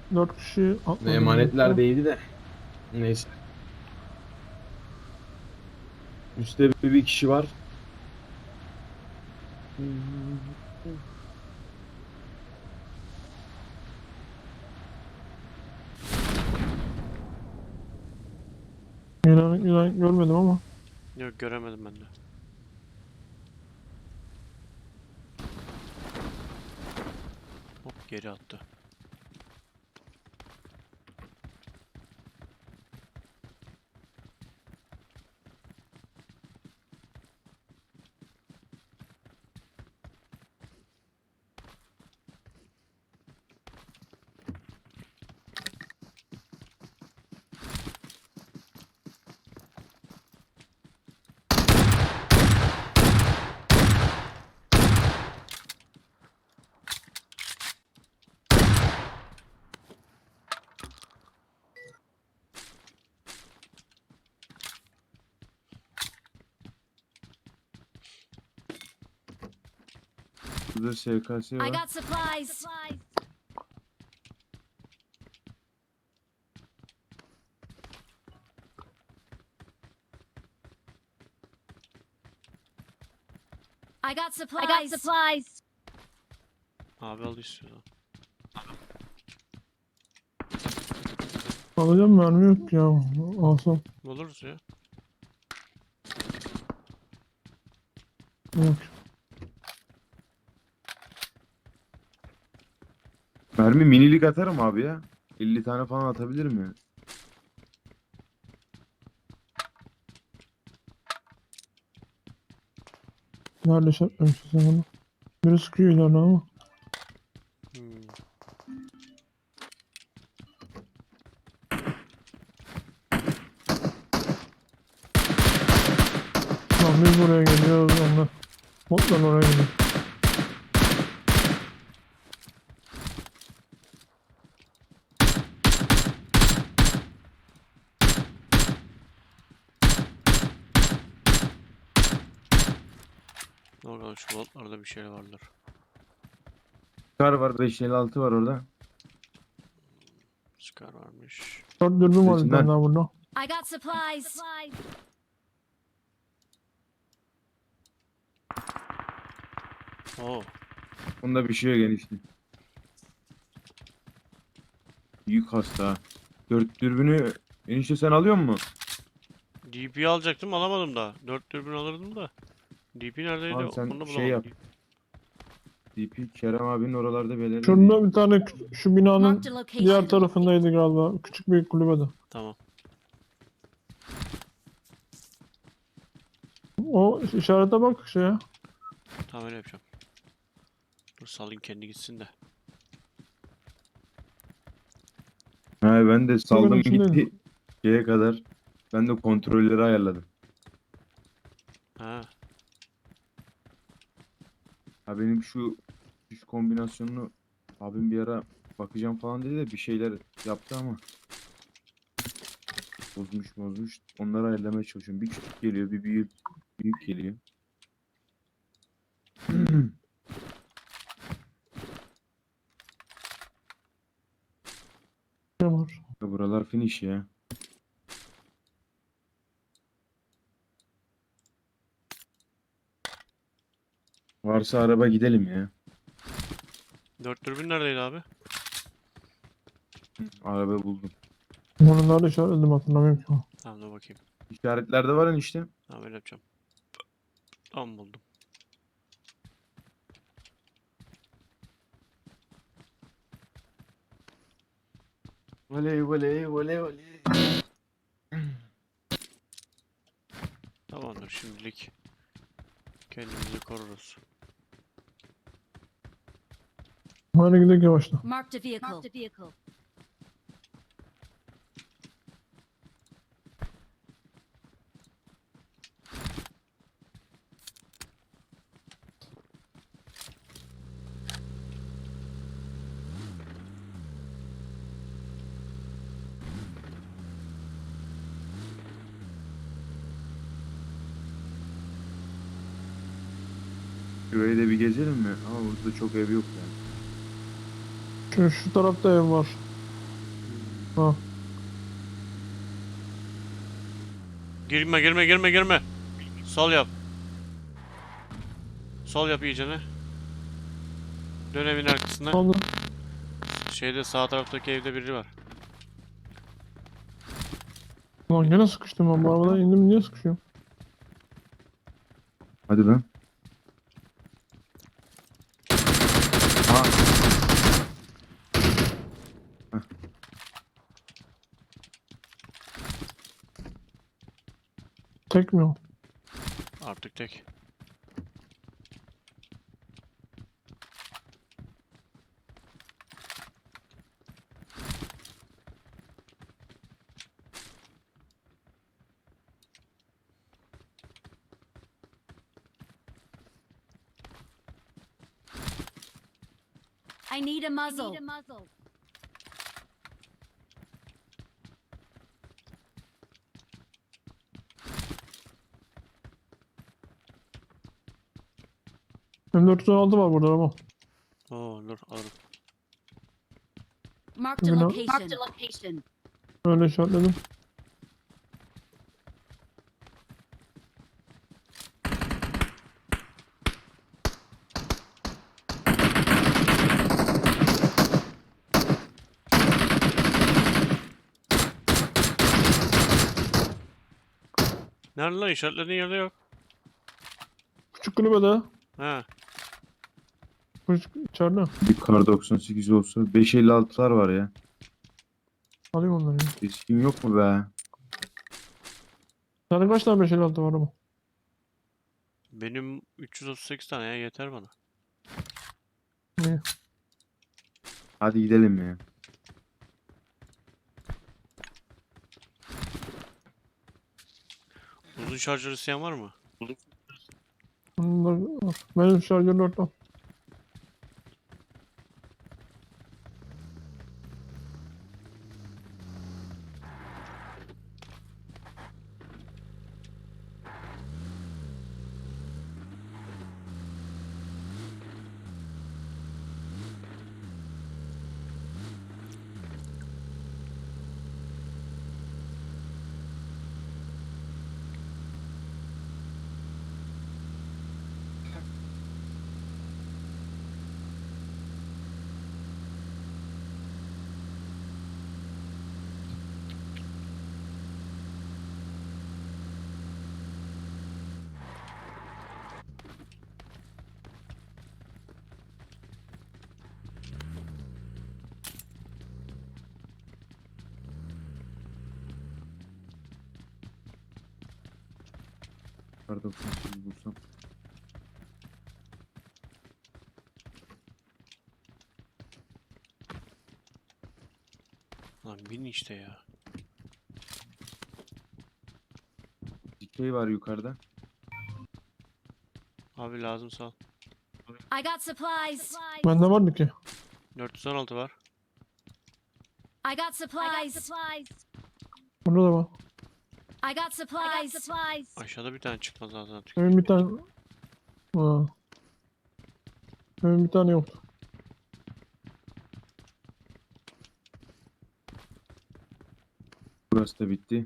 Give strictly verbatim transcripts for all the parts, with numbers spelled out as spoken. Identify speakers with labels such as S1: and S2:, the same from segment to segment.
S1: dört kişi atladı.
S2: Emanetler değildi de. Neyse. Üstte bir, bir kişi var.
S1: İnan, inan görmedim ama.
S3: Yok, göremedim ben de. Hop, geri attı.
S2: Burada S K S
S4: I
S2: var.
S4: got supplies. I got supplies. I got supplies.
S3: Abi al istiyorsan.
S1: Alacağım, mermi yok ya. Alsam.
S3: Buluruz ya.
S1: Yok.
S2: Mermi minilik atarım abi ya. elli tane falan atabilirim ya.
S1: Nerede şartlamışsın sen onu? Biri sıkıyor ileride ama.
S3: Hmm.
S1: Lan biz buraya geliyoruz, onlar. Botlar oraya gidiyor.
S3: Oradan şu botlarda bir şey vardır.
S2: Kar var, beş elli altı var orada.
S3: Scar varmış.
S1: Dört dürbün var bir
S2: Seçimler.
S1: tane daha burada.
S4: I got supplies.
S3: Oo.
S2: Onda bir şey yok enişte. Büyük hasta ha. Dört dürbünü enişte sen alıyor musun?
S3: D P'yi alacaktım, alamadım da. dört dürbün alırdım da. D P neredeydi?
S2: Abi sen
S3: Onu
S2: şey
S3: bulamadım.
S2: yap. D P Kerem abinin oralarda belirli.
S1: Şurada bir tane kü- şu binanın
S4: Marked a location.
S1: diğer tarafındaydı galiba. Küçük bir kulübede.
S3: Tamam.
S1: O işarete bak şeye.
S3: Tamam, öyle yapacağım. Dur, salayım kendi gitsin de.
S2: Ha, ben de saldım
S1: içindeydi.
S2: gitti şeye kadar. Ben de kontrolleri ayarladım.
S3: Ha.
S2: Ha benim şu üç kombinasyonunu abim bir ara bakacağım falan dedi de bir şeyler yaptı ama bozmuş bozmuş. Onları ayarlamaya çalışıyorum. Bir küçük geliyor, bir büyük büyük geliyor.
S1: Ne var?
S2: Buralar finish ya. Varsa araba gidelim ya.
S3: dört dürbün neredeydi abi?
S2: Araba buldum.
S1: Onu nerede işaretledim hatırlamıyorum ki.
S3: Tamam, dur bakayım.
S2: İşaretlerde var işte.
S3: Tamam, öyle yapacağım. Tamam, buldum.
S2: Voley voley voley voley.
S3: Tamamdır, şimdilik kendimizi koruruz.
S1: Hadi gidelim yavaşla.
S4: Marked a vehicle. Marked a vehicle.
S2: Şurayı da bir gezelim mi? Ama burada çok ev yok yani.
S1: Şu, şu tarafta ev var. Ha.
S3: Girme girme girme girme. Sol yap. Sol yap iyicene. Dön evin arkasına.
S1: Aldım.
S3: Şeyde sağ taraftaki evde biri var.
S1: Lan gene sıkıştım ben bu arabadan indim niye sıkışıyorum?
S2: Hadi lan. Ha.
S1: Tek mi o?
S3: Artık tek.
S4: I need a muzzle.
S1: M dört altı var burada ama.
S3: Oo dur alırım.
S4: Marked a
S1: Bina-
S4: location. Marked a location.
S1: Öyle işaretledim.
S3: Nerede lan işaretlediğin yerde yok.
S1: Küçük kulübede.
S3: He.
S1: Küçük içeride.
S2: Bir kar doksan sekiz olsa beş elli altılar var ya.
S1: Alayım onları ya.
S2: Riskin yok mu be?
S1: Sende kaç tane beş elli altı var ama?
S3: Benim üç yüz otuz sekiz tane ya yeter bana.
S1: İyi.
S2: Hadi gidelim ya.
S3: Uzun şarjör isteyen var mı?
S1: Bunlar var. Benim şarjör dört al.
S2: Kar doksan sekiz bulsam.
S3: Lan bin işte ya.
S2: Dikey var yukarıda.
S3: Abi lazım sağ ol.
S4: I got supplies.
S1: Bende vardı ki.
S3: dört yüz on altı var.
S4: I got supplies.
S1: Burada da var.
S4: I got supplies.
S3: Aşağıda bir tane çıkmaz zaten artık.
S1: Benim bir tane... Ha. Benim bir tane yoktu.
S2: Burası da bitti.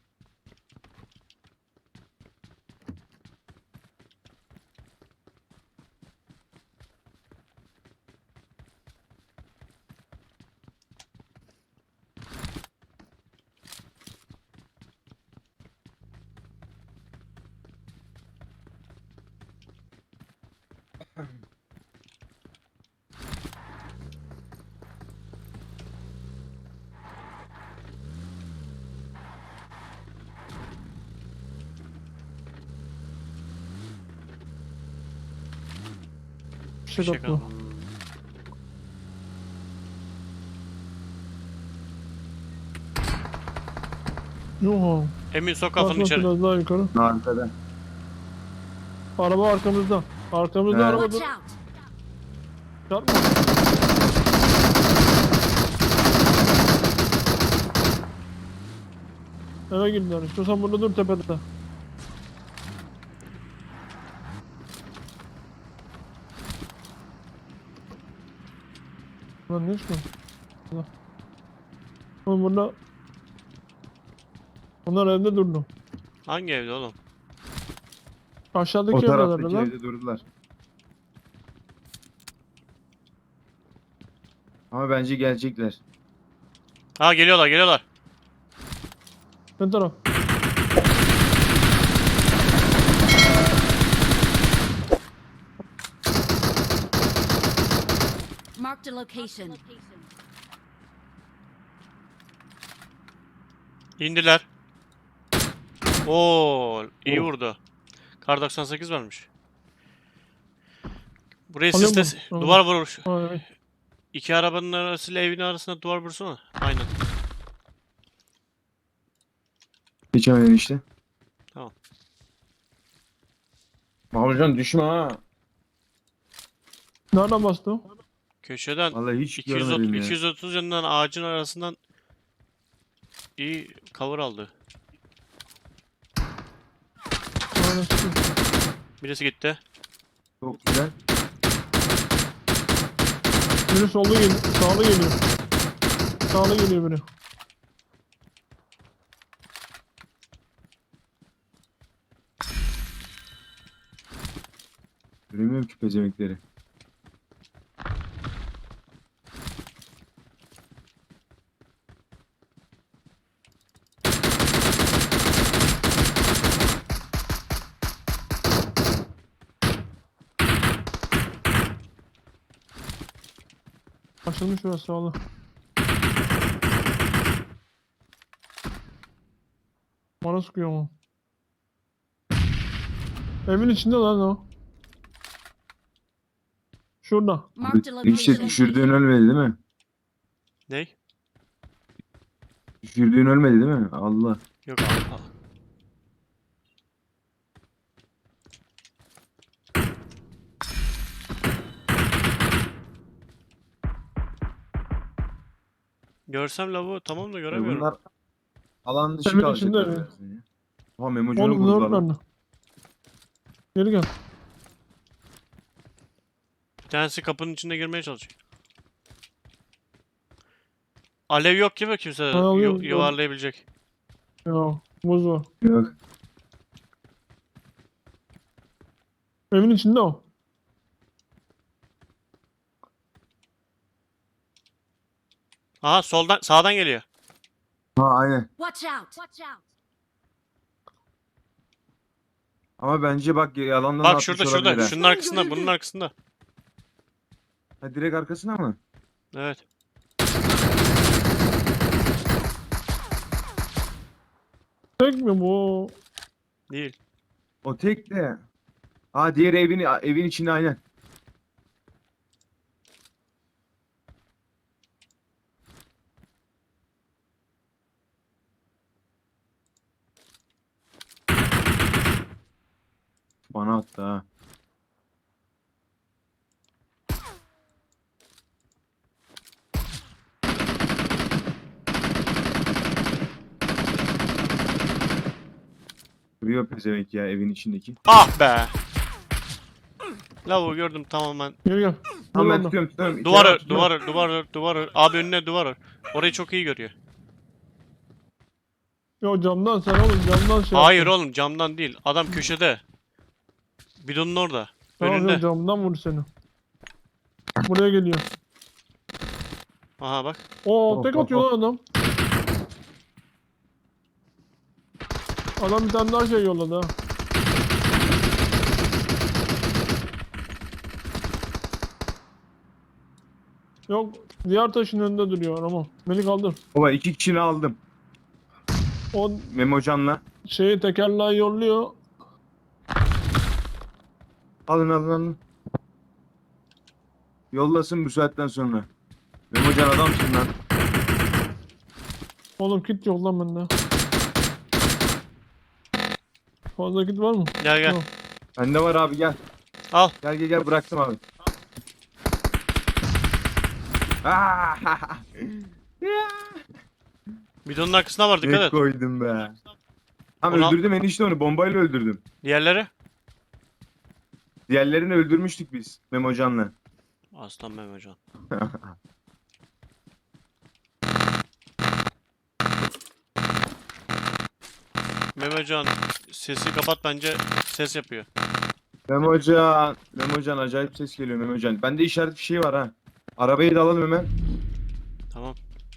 S1: Bir şey
S3: Bir şey
S1: katma.
S3: kalmadı.
S1: Yok.
S3: Emin sok kafanı
S1: Bak
S3: içeri.
S1: biraz daha yukarı.
S2: Arkada.
S1: Araba arkamızda. Arkamızda
S2: He.
S1: araba
S4: Watch
S1: dur.
S4: out.
S1: Çarpma. Eve girdiler. İstiyorsan burada dur tepede. Lan ne çıkıyor? Oğlum burada... Onlar evde durdu.
S3: Hangi evde oğlum?
S1: Aşağıdaki
S2: O
S1: evdeler
S2: taraftaki
S1: lan.
S2: evde durdular. Ama bence gelecekler.
S3: Ha geliyorlar geliyorlar.
S1: Ne taraf?
S4: Marked a location.
S3: İndiler. Oo, iyi
S2: Oh.
S3: vurdu. Kar doksan sekiz varmış. Buraya
S1: Alayım
S3: sisle
S1: bunu, tamam.
S3: duvar vurur.
S1: Ha, evet.
S3: İki arabanın arasıyla evin arasında duvar vursana. Aynen.
S2: Geçemedin işte.
S3: Tamam.
S2: Mahmutcan düşme ha.
S1: Nereden bastı o?
S3: Köşeden
S2: Vallahi hiç
S3: iki yüz otuz,
S2: görmedim ya.
S3: iki yüz otuz yanından ağacın arasından iyi cover aldı.
S1: Aynen, sıkıyor.
S3: Birisi gitti.
S2: Çok güzel.
S1: Biri solda geliyor. Sağda geliyor. Sağda geliyor biri.
S2: Göremiyorum ki pezemekleri.
S1: Açılmış burası sağda. Bana sıkıyor ama. Evin içinde lan o. Şurada.
S4: Marked a
S2: Hiç de
S4: location.
S2: düşürdüğün ölmedi değil mi?
S3: Ney?
S2: Düşürdüğün ölmedi değil mi? Allah.
S3: Yok abi. al. Görsem lavuğu tamam da
S2: Ya
S3: göremiyorum.
S2: bunlar alan dışı
S1: Evin
S2: kalacaklar
S1: içinde mi?
S2: birazdan ya. Oha Memocan'ı
S1: Oğlum
S2: vurdular
S1: bunlar
S2: lan.
S1: nerede? Geri gel.
S3: Bir tanesi kapının içinde girmeye çalışıyor. Alev yok gibi kimse
S1: Ha, alıyorum,
S3: yu- yuvarlayabilecek.
S1: Ya buz var.
S2: Yok.
S1: Evin içinde o.
S3: Aha soldan sağdan geliyor.
S2: Ha aynen.
S4: Watch out. Watch out.
S2: Ama bence bak yalandan
S3: Bak
S2: atmış
S3: şurada
S2: olabilir
S3: şurada.
S2: ha.
S3: Şunun arkasında, bunun arkasında.
S2: Ha direkt arkasına mı?
S3: Evet.
S1: Tek mi bu?
S3: Değil.
S2: O tek de. Ha diğer evin evin içinde aynen. Bana attı ha. Duruyor pezevenk ya evin içindeki.
S3: Ah be. Lavuğu gördüm tamamen.
S1: Geri gel.
S2: Tamam ben
S1: Dur
S2: tutuyorum tutuyorum.
S3: Duvar
S2: İçeri
S3: ör,
S2: at, tutuyorum.
S3: duvar ör, duvar ör, duvar ör. Abi önüne duvar ör. Orayı çok iyi görüyor.
S1: Yo camdan sen oğlum camdan şey
S3: Hayır
S1: yaptın.
S3: oğlum camdan değil. Adam köşede. Bidonun orada.
S1: Tamam yo,
S3: Önünde.
S1: camdan vurdu seni. Buraya geliyor.
S3: Aha bak.
S1: Oo
S2: Hop,
S1: tek
S2: hop,
S1: atıyor lan adam. Adam bir tane daha şey yolladı ha. Yok diğer taşın önünde duruyor ama. Beni kaldır.
S2: Baba iki kişini aldım.
S1: O
S2: Memocan'la.
S1: şeyi tekerleği yolluyor.
S2: Alın alın alın. Yollasın bu saatten sonra. Memocan adamsın lan.
S1: Oğlum kit yok lan bende. Fazla kit var mı?
S3: Gel gel.
S1: Yok.
S2: Bende var abi gel.
S3: Al.
S2: Gel gel gel bıraktım abi. Ah!
S3: Bidonun arkasına var dikkat
S2: Ne
S3: et.
S2: koydum be. Tam
S3: Ona-
S2: öldürdüm enişte onu bombayla öldürdüm.
S3: Diğerleri?
S2: Diğerlerini öldürmüştük biz Memocan'la.
S3: Aslan Mehmetcan. Memocan sesi kapat bence ses yapıyor.
S2: Memocan. Memocan acayip ses geliyor Memocan. Bende işaret bir şey var ha. Arabayı da alalım hemen.
S3: Tamam.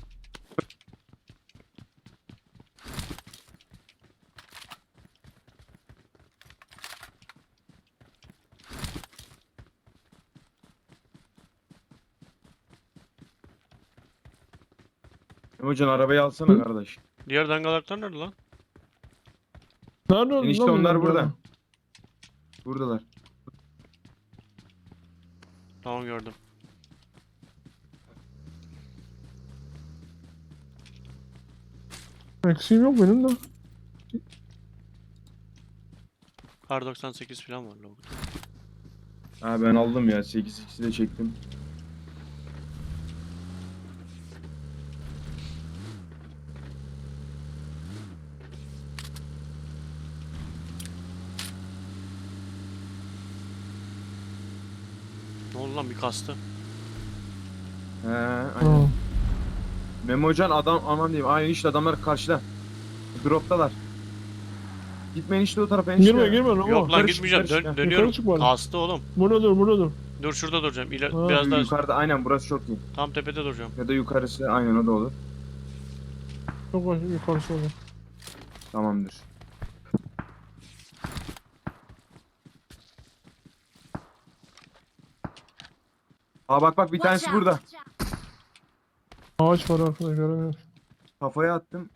S2: Memocan arabayı alsana
S1: Hı?
S2: kardeş.
S3: Diğer dangalaklar nerede lan?
S1: Nerede öldün
S2: Enişte
S1: lan
S2: onlar
S1: bunlar
S2: burada.
S1: ya?
S2: Buradalar.
S3: Tamam gördüm.
S1: Eksiğim yok benim de.
S3: Kar doksan sekiz falan var logo.
S2: Ha ben aldım ya. sekiz x'i de çektim.
S3: Ne oldu lan bir kastı?
S2: He aynen.
S1: Ha.
S2: Memocan adam aman diyeyim. Aynen işte adamlar karşıda. Droptalar. Gitmeyin işte o tarafa enişte.
S1: Girme girme Ramo.
S3: Yok lan
S2: yukarı çık,
S3: gitmeyeceğim.
S2: yukarı çık
S3: Dön,
S2: ya.
S3: dönüyorum.
S1: Yukarı çık bari.
S3: Kastı oğlum.
S1: Burada dur burada dur.
S3: Dur şurada duracağım. İler
S1: Ha,
S3: biraz daha
S2: Yukarıda aynen burası çok iyi.
S3: tam tepede duracağım.
S2: Ya da yukarısı aynen o da olur.
S1: Çok baş yukarısı olur.
S2: Tamamdır. Aa bak bak bir
S4: Watch
S2: tanesi
S4: out.
S2: burada.
S1: Ağaç var arkada göremiyorum.
S2: Kafaya attım.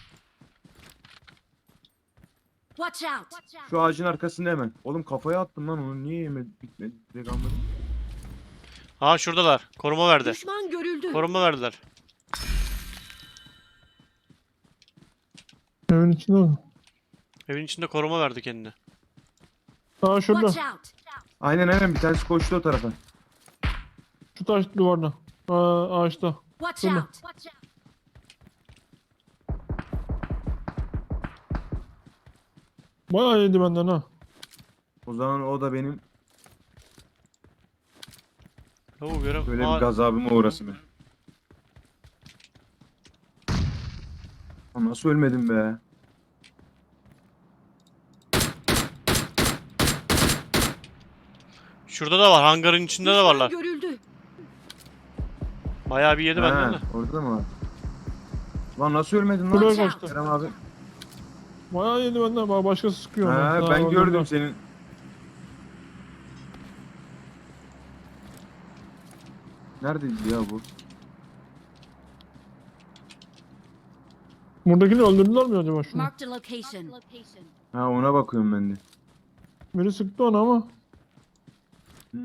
S4: Watch out.
S2: Şu ağacın arkasında hemen. Oğlum kafaya attım lan onu. Niye yemedi? Bitmedi. Direkt almadım.
S3: Ha şuradalar. Koruma verdi.
S4: Düşman görüldü.
S3: Koruma verdiler.
S1: Evin içinde mi?
S3: Evin içinde koruma verdi kendine.
S1: Aa şurada.
S4: Watch out.
S2: Aynen aynen bir tanesi koştu o tarafa.
S1: Şu taş duvarda. Aa, ağaçta.
S4: Watch
S1: Şurada.
S4: out. Watch out.
S1: Bayağı yedi benden ha.
S2: O zaman o da benim
S3: Lavuk göre.
S2: böyle
S3: Aa,
S2: bir gazabıma uğrasın be. Aa, nasıl ölmedim be?
S3: şurada da var. Hangarın içinde de
S4: Düşman
S3: varlar.
S4: görüldü.
S3: Bayağı bir yedi benden de.
S2: Ha, orada mı var? Lan nasıl ölmedin
S1: Şuraya
S2: lan?
S4: Watch out.
S1: kaçtı.
S2: Kerem abi.
S1: Bayağı yedi benden. Bana başkası sıkıyor.
S2: Ha,
S1: Daha
S2: ben gördüm
S1: öldürdüler.
S2: senin. Neredeydi ya bu?
S1: Buradakini öldürdüler mi acaba şunu?
S4: Marked a location.
S2: Ha ona bakıyorum ben de.
S1: Biri sıktı onu ama.
S2: Hmm.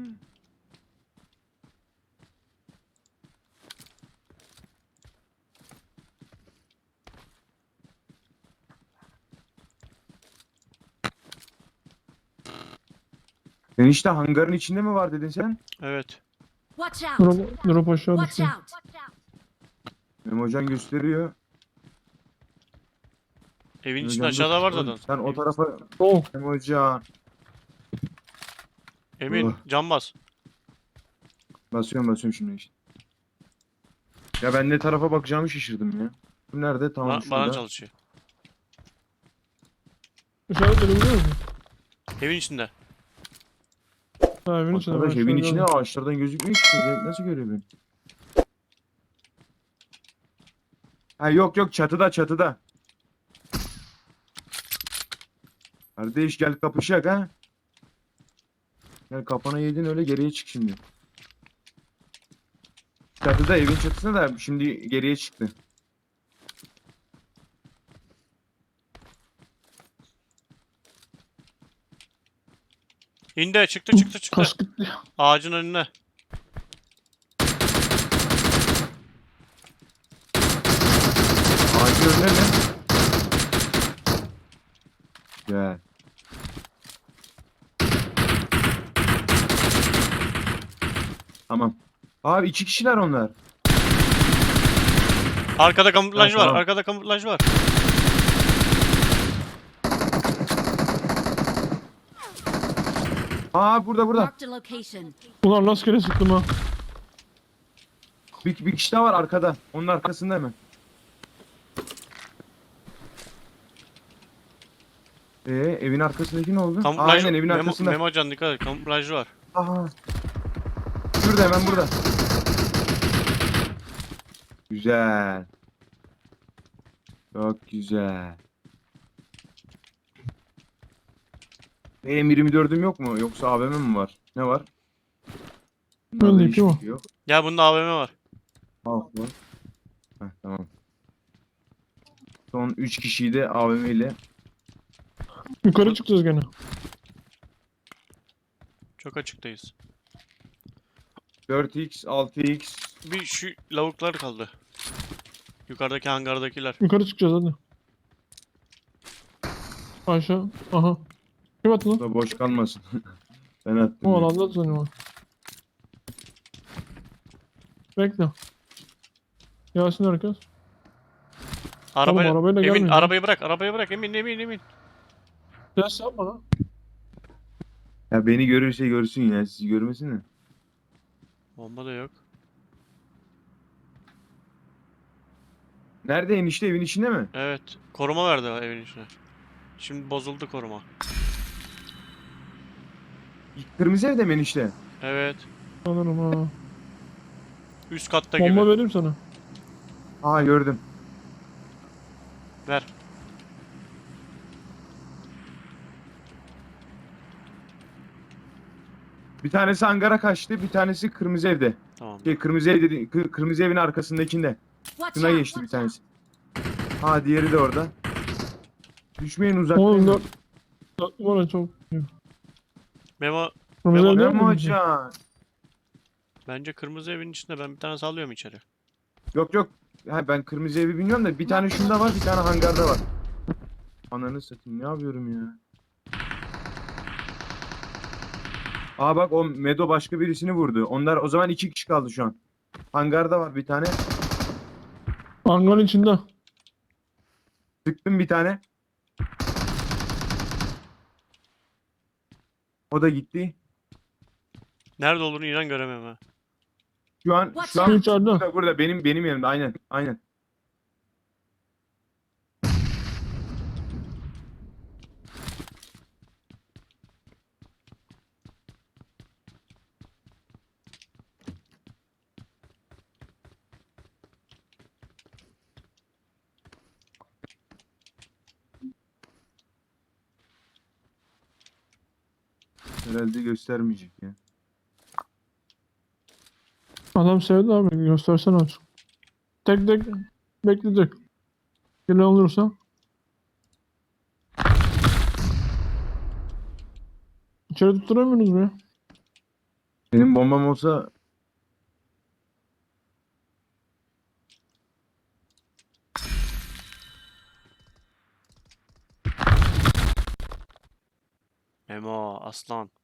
S2: Sen işte hangarın içinde mi var dedin sen?
S3: Evet.
S4: Watch out.
S1: Drop, drop aşağı
S4: Watch
S1: düştü.
S4: out.
S2: Memocan gösteriyor.
S3: Evin içinde
S2: Memocan
S3: aşağıda var
S2: dur.
S3: zaten.
S2: Sen o tarafa
S1: Oh.
S2: Memocan.
S3: Emin
S2: Oh.
S3: can bas.
S2: Basıyorum basıyorum şimdi işte. Ya ben ne tarafa bakacağımı şaşırdım ya. Bu nerede? Tamam
S3: Ba- bana
S2: şurada.
S3: çalışıyor.
S1: İşaretleyebiliyor musun?
S3: Evin içinde.
S1: Ha evin içinde.
S2: Arkadaş
S1: ben
S2: evin
S1: şöyle
S2: içine
S1: gördüm.
S2: ağaçlardan gözükmüyor ki. Nasıl görüyor beni? Ha yok yok çatıda çatıda. Kardeş gel kapışak ha. Gel kafana yedin öyle geriye çık şimdi. Çatıda evin çatısına da şimdi geriye çıktı.
S3: İndi çıktı çıktı çıktı.
S1: Kask gitti.
S3: Ağacın önüne.
S2: Ağacın önüne mi? Gel. Tamam. Abi iki kişiler onlar.
S3: Arkada kamuflaj
S2: Ha,
S3: var.
S2: tamam.
S3: Arkada kamuflaj var.
S2: Aa burada burada.
S4: Marked a location.
S1: Ulan rastgele sıktım ha.
S2: Bir, bir kişi daha var arkada. Onun arkasında hemen. Ee, evin arkasındaki ne oldu?
S3: Kamuflaj.
S2: Aynen evin
S3: Memo,
S2: arkasında.
S3: Memocan dikkat et. Kamuflajlı var.
S2: Aha. Şurada hemen burada. Güzel. Çok güzel. M yirmi dördüm yok mu? Yoksa A V M mi var? Ne var? Bunlarda
S1: Bendeki
S2: hiçbir
S1: o.
S2: şey yok.
S3: Ya bunda A V M var.
S2: Halk var. Heh, tamam. Son üç kişiyi de A V M ile.
S1: Yukarı çıkacağız gene.
S3: Çok açıktayız.
S2: dört x, altı x.
S3: Bir şu lavuklar kaldı. Yukarıdaki hangardakiler.
S1: Yukarı çıkacağız hadi. Aşağı. Aha. Kim attı lan?
S2: Da boş kalmasın. Ben attım.
S1: O
S2: ya.
S1: alanda sanıyorum. Bekle. Gelsin herkes.
S3: Araba,
S1: arabayla
S3: Emin
S1: gelmeyin ya.
S3: arabayı bırak. Arabayı bırak. Emin Emin Emin.
S1: Ses yapma lan.
S2: Ya beni görürse görsün ya. Sizi görmesin de.
S3: Bomba da yok.
S2: Nerede enişte, evin içinde mi?
S3: Evet. Koruma verdi evin içine. Şimdi bozuldu koruma.
S2: Kırmızı evde mi enişte?
S3: Evet.
S1: Sanırım ha.
S3: Üst katta
S1: Bomba
S3: gibi.
S1: vereyim sana.
S2: Aa gördüm.
S3: Ver.
S2: Bir tanesi hangara kaçtı, bir tanesi kırmızı evde.
S3: Tamam.
S2: Şey kırmızı ev dedi, kı- kırmızı evin arkasındakinde.
S4: Watch
S2: Şuna
S4: out!
S2: geçti bir
S4: Watch out!
S2: tanesi. Ha diğeri de orada. Düşmeyin
S1: Oğlum
S2: uzaklayın.
S1: dört. Dört numara çok.
S3: Memo
S1: Kırmızı
S3: Memo-
S1: evde
S2: Memo
S1: mi?
S2: hocam.
S3: bence kırmızı evin içinde ben bir tane sallıyorum içeri.
S2: Yok yok. Ha, ben kırmızı evi bilmiyorum da bir tane şunda var, bir tane hangarda var. Ananı satayım, ne yapıyorum ya? Aa bak o Medo başka birisini vurdu. Onlar o zaman iki kişi kaldı şu an. Hangarda var bir tane.
S1: Hangarın içinde.
S2: Sıktım bir tane. O da gitti.
S3: Nerede olduğunu inan göremem ha.
S2: Şu an
S4: Watch
S2: şu
S1: Şu
S2: an
S1: içeride.
S2: burada, burada benim benim yerimde aynen aynen. Herhalde göstermeyecek ya.
S1: Adam sevdi abi. Göstersene artık. Tek tek bekleyecek. Gelen olursa. İçeri tutturamıyorsunuz mu ya?
S2: Benim bombam olsa
S3: Memo aslan.